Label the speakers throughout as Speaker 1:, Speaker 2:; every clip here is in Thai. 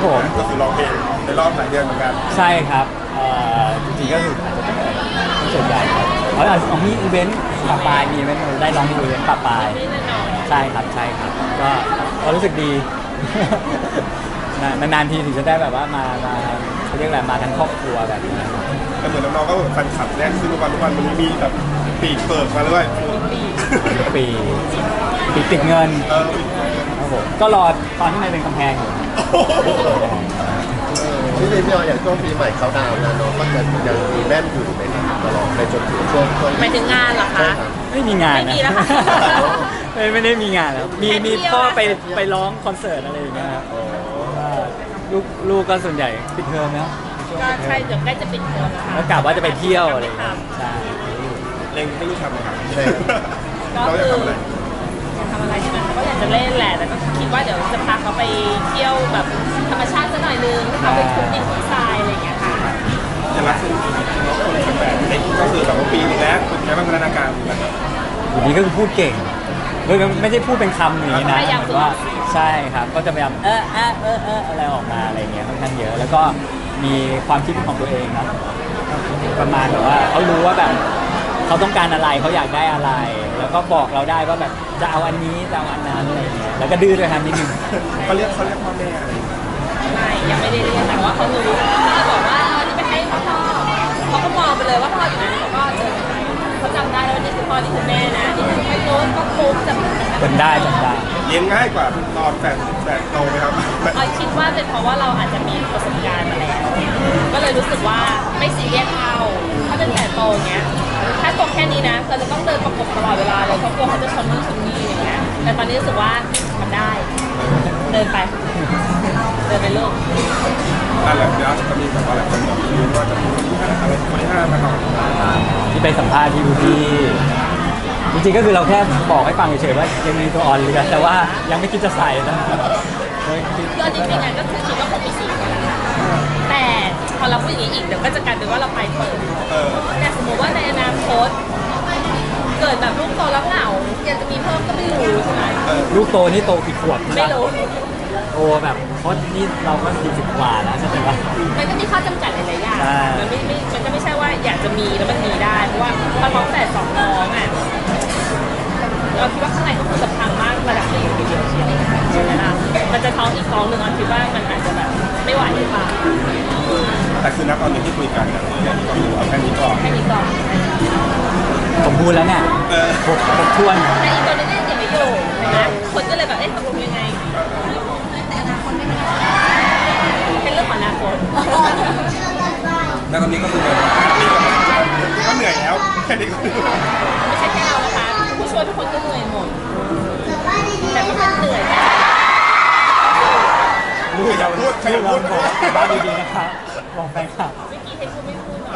Speaker 1: ผม
Speaker 2: ก็คือร้องเพลงในรอบหลายเดือนเหมือนกัน
Speaker 1: ใช่ครับจริงๆก็คืออาจจะเป็นส่วนใหญ่ครับเพราะของมีอีเวนต์ปะปายมีอีเวนต์ได้ร้องที่อีเวนต์ปะปายใช่ครับใช่ครับก็รู้สึกดี นานๆทีถึงจะได้แบบว่ามาเขาเรียกอะไรมาทั้งครอบครัวแบบนี้
Speaker 2: แต่เหมือนน้องๆก็แบบแฟนคลับแน่นขึ้นทุกวันมันมีแบบปีกเปิดมาด้วย
Speaker 1: ปีติดเงินครับผมก็รอตอนที่มันเป็นกำแพงอยู่
Speaker 3: พี่พี่ออย่างช่วงปีใหม่เขาดาวน์นะน้องก็จะยังมีแน่นอยู่ไหมครับตลอดไปจนถึงช่วง
Speaker 4: หมายถึงงานเหรอคะ
Speaker 1: ไม่มีงานนะ
Speaker 4: ไม่มีแล้วค่ะ
Speaker 1: ไม่ได้มีงานแล้วมีพ่อไปร้องคอนเสิร์ตอะไรอย่างเงี้ยครับลูกก็ส่วนใหญ่ปิดเทอมแล้ว
Speaker 4: ก็ใช่เดี๋ยวใกล้จะปิดเทอมแล้ว
Speaker 1: กะว่าจะไปเที่ยวอะไรอย่างเงี้ยใช่
Speaker 2: เล็งไม่รู้ทำอะไร
Speaker 4: ก็คือทำอะไรใช่ไหมก็อยากจะเล่นแหละแต่ก็คิดว่าเดี๋ยวจะพาเขาไปเที่ยวแบบธรรมชาติสักหน่อยนึงเขาไปทุบดินทุบทรายอะไรอย่างเงี้ยค่ะ
Speaker 2: จะรักซึ่งน้องคนแบบเล็กก็คือแบบว่าปีนึงแล้วคุณแค่พัฒนาการ
Speaker 1: อยู่นี้ก็คือพูดเก่งไม่ใช่พูดเป็นคำอย่างนี้นะว่าใช่ครับก็จะพยายามอะไรออกมาอะไรเงี้ยค่อนข้างเยอะแล้วก็มีความคิดของตัวเองครับประมาณแบบว่าเขารู้ว่าแบบเขาต้องการอะไรเขาอยากได้อะไรแล้วก็บอกเราได้ว่าแบบจะเอาอันนี้จะเอาอันนั้นอะไรเงี้ยแล้วก็ดื้อด้วยครับนิดนึง
Speaker 2: เขาเรียกพ่อแม่
Speaker 4: ไม่ยังไม่ได้เรียนแต่ว่าเขารู้เขาบอกว่านี่ไปให้พ่อเขาก็มองไปเลยว่าพ่ออยู่ไหนเขาก็เจอเขาจำได้แล้วนี่คือพ่อนี่คือแม่นะนี่คือไอ้โน้ตก็ปุ๊บจ
Speaker 1: ำได้
Speaker 2: เลี้ยงง่ายกว่าตอนแฝดโตไหมครับ
Speaker 4: คิดว่าเป็นเพราะว่าเราอาจจะมีประสบการณ์มาแล้วก็เลยรู้สึกว่าไม่ซีเรียสเอาถ้าเป็นแฝดโตเงี้ยถ้าโตแค่นี้นะเราจะต้องเดินประกบตลอดเวลาเลยเพราะกลัวเขาจะชนนู่นชนนี่อย่างเงี้ยแต่ตอนนี้รู้สึกว่ามันได้เดินไปลูก
Speaker 2: นั่นแหละเดี๋ยวจะมีแบบว่าหลายคนบอกว่าจะมีคนที่5อะไรคนที่5นะครับ
Speaker 1: ที่ไปสัมภาษณ์ที่ดูที่จริงๆก็คือเราแค่บอกให้ฟังเฉยๆว่ายังมีตัวอ่อนเรือแต่ว่ายังไม่คิดจะใส่นะ
Speaker 4: คือจริงๆก็คือคิดว่าคงมี4คนแล้วค่ะแต่พอเราพูดอย่างนี้อีกเดี๋ยวก็จะกลายเป็นว่าเราไปเปิดแต่สมมติว่าในอนาคตเกิดแบบลูกโตแล้วเหงาอยากจะมีเพิ่มก็ไม่รู้ใช่ไหม
Speaker 1: ลูกโตนี่โตกี่ขวบ
Speaker 4: ไม่รู้
Speaker 1: โตแบบเพราะนี่เราก็40 กว่าแล้วใช่ไหม
Speaker 4: มันก็มีข้อจำกัดหลายๆอย่างมันก็ไม่ใช่ว่าอยากจะมีแล้วมันมีได้เพราะว่าพอท้องแต่2 น้องอ่ะเราคิดว่าข้างในก็คือจะพังมากระดับที่อยู่ทีเดียวเชียวใช่ไหมล่ะมันจะท้องอีกท้องหนึ่งคิดว่ามันอาจจะแบบไม่ไหวหรือเปล่า
Speaker 2: แต่คือณตอนนี้ที่คุยกันอย่างที่บอกแค่นี้ก่อน
Speaker 1: ผมพูดแล้วเนี่ยผมทวน
Speaker 4: แต่อีกตัวนึงเนี่ยยังไม่อยู่นะคนก็เลยแบบตกลงยังไงเป็นเรื่องของอนาคต
Speaker 2: แล้วตอนนี้ก็คือก็เหนื่อยแล้วแค่นี้ก็
Speaker 4: ไม่ใช่แค่เรานะคะผู้ช่วยทุกคนก็เหนื่อยหมดแต่ก็เหนื่อย
Speaker 2: ลูกอย่าพูดใครอย่าพูด
Speaker 1: บ้านดีๆนะครับบอกแฟนคลับ
Speaker 4: เมื่อกี้ให้พูดไม่พูด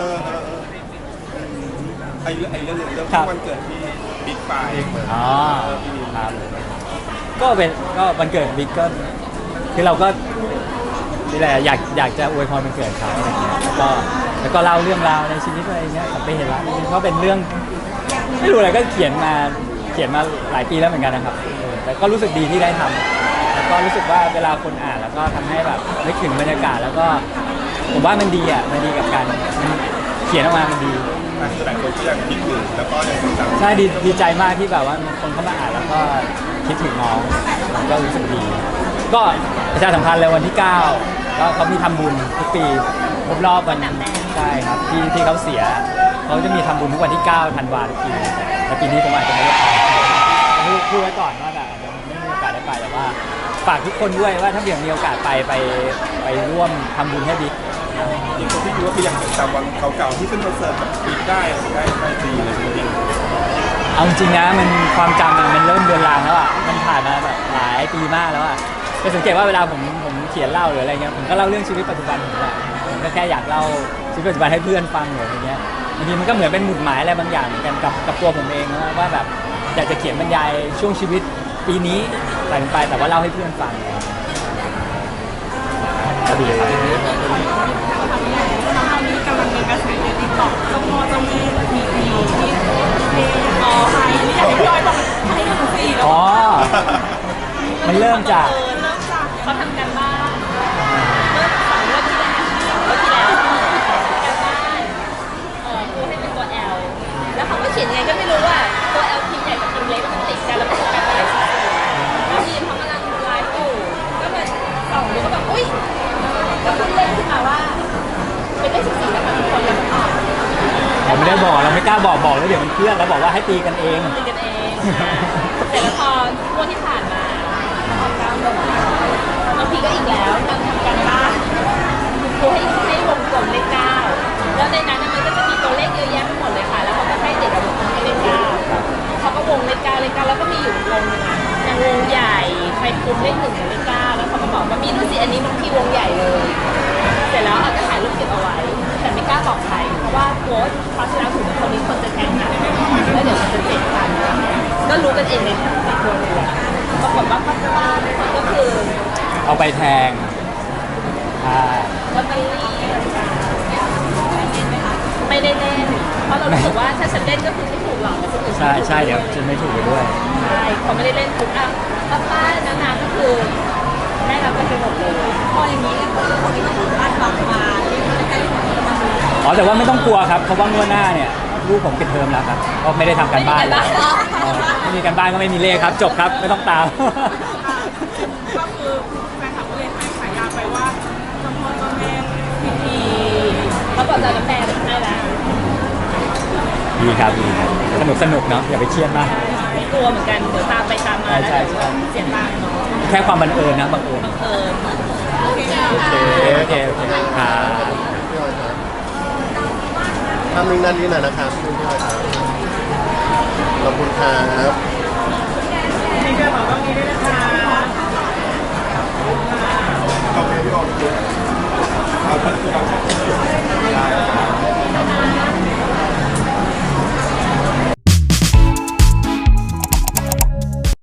Speaker 2: ไอ้เรื่องวันเกิดที่บิ๊กไฟ
Speaker 1: ครับก็วันเกิดบิ๊กก็คือเราก็นี่แหละอยากจะอวยพรวันเกิดเขาอะไรเงี้ยแล้วก็เล่าเรื่องราวในชีวิตอะไรเงี้ยไปเห็นแล้วก็เป็นเรื่องไม่รู้อะไรก็เขียนมาหลายปีแล้วเหมือนกันนะครับแต่ก็รู้สึกดีที่ได้ทำแล้วก็รู้สึกว่าเวลาคนอ่านแล้วก็ทำให้แบบนึกถึงบรรยากาศแล้วก็ผมว่ามันดีมันดีกับการเขียนออกมามันดี
Speaker 2: หลายคนก็ยังคิดถึงแล้วก็ยังจำ
Speaker 1: ใช่ดีใจมากที่แบบว่าคนเข้ามาอ่านแล้วก็คิดถึงน้องก็รู้สึกดีก็ประชาสัมพันธ์เลยวันที่9ก็เขามีทำบุญทุกปีครบรอบวันใช่ครับที่เขาเสียเขาจะมีทำบุญทุกวันที่9 ธันวาคมทุกปีแต่ปีนี้ผมอาจจะไม่ได้ไปพูดไว้ก่อนว่าแบบยังไม่มีโอกาสได้ไปแต่ว่าฝากทุกคนด้วยว่าถ้ามีโอกาสไปร่วมทำบุญให้บิ๊ก
Speaker 2: อย่างคนที่คิดว่าคืออย่างจำวันเก่าๆที่ขึ้นคอนเสิร์ตแบบปีได้ดีเลยจริง
Speaker 1: ๆเอาจริงนะมันความจำมันเริ่มเดือนรางแล้วมันผ่านมาแบบหลายปีมากแล้วจะสังเกตว่าเวลาผมเขียนเล่าหรืออะไรเงี้ยผมก็เล่าเรื่องชีวิตปัจจุบันผมแหละผมก็แค่อยากเล่าชีวิตปัจจุบันให้เพื่อนฟังหรืออะไรเงี้ยบางทีมันก็เหมือนเป็นหมุดหมายอะไรบางอย่างเหมือนกันกับตัวผมเองนะว่าแบบอยากจะเขียนบรรยายช่วงชีวิตปีนี้ไปแต่ว่าเล่าให้เพื่อนฟังก็ดีครับ
Speaker 4: ตอนนี้กำลังมีกระแสในติ๊กต็อกเจ้าพ่อเจ้าแม่มีที่ใครนี่อยากให้พี่อ้อยบอกให้1 4แล้ว
Speaker 1: มันเริ่มจาก
Speaker 4: เขาทำกันบ้าง
Speaker 1: เดี๋ยวมันเคลื่อนแล้วบอกว่าให้ตีกันเอง
Speaker 4: ตีกันเองแต่แล้วพองวดที่ผ่านมาออก9บางทีก็อีกแล้วการทำการบ้านครูให้วงกลมเลข9แล้วในนั้นมันก็จะมีตัวเลขเยอะแยะไปหมดเลยค่ะแล้วเขาก็ให้เด็กวงกลมเลข9เขาก็วงเลข9แล้วก็มีอยู่วงนึงอย่างวงใหญ่ใครคุมเลข1กับเลข9แล้วเขาก็บอกว่ามีดูสิอันนี้มันที่วงใหญ่เลยเสร็จแล้วก็ถ่ายรูปเก็บเอาไว้แต่ไม่กล้าบอกใครเพราะว่าโค้ชคราวที่แล้วถึงคนนี้คนจะแข่งกันแล้วเดี๋ยวมันจะเจ็บกันก็รู้กันเองในตัวเลยแหละปรากฏว่าข้างล่างก็คือ
Speaker 1: เอาไปแทงใช่
Speaker 4: ลอตเตอรี่ไม่ได้เล่นเพราะเรารู้สึกว่าถ้าฉันเล่นก็คือไม่ถูกหรอกคนอื่น
Speaker 1: ใช่เดี๋ยวจะไม่ถูกไปด้วย
Speaker 4: ใช่เขาไม่ได้เล่นทุกอ่ะป้าๆนาๆก็คือได้รับกันไปหมดเลยพออย่างนี้คนที่ต้องคาดหวังมาใกล้ๆ
Speaker 1: อ๋อแต่ว่าไม่ต้องกลัวครับเพราะว่างวดหน้าเนี่ยลูกผมปิดเทอมแล้วครับก็ไม่ได้ทำการบ้านเลยไม่มีการบ้านก็ไม่มีเลขครับจบครับไม่ต้องตาม
Speaker 5: ก็คือแฟนคลับก็เลยให้ฉายาไปว่าเจ้าพ่อเจ้าแม่
Speaker 4: ดีเขาบอกจะน้ำแดงให้แล้ว
Speaker 1: ดีครับสนุกเนาะอย่าไปเครียดมาก
Speaker 4: ไม่กลัวเหมือนกันเดี๋ยวตามไปตามมาแล้ว
Speaker 1: ใช่
Speaker 4: เดี๋ยวเสียตังค์เนาะ
Speaker 1: แค่ความบังเอิญนะบังเอิญ
Speaker 4: บังเอิญ
Speaker 3: โอเค
Speaker 1: โอเคครับ
Speaker 3: พี่ออยครับทำหนึ่งด้านนี้หน่อยนะครับพี่ออยครับขอบคุณครับ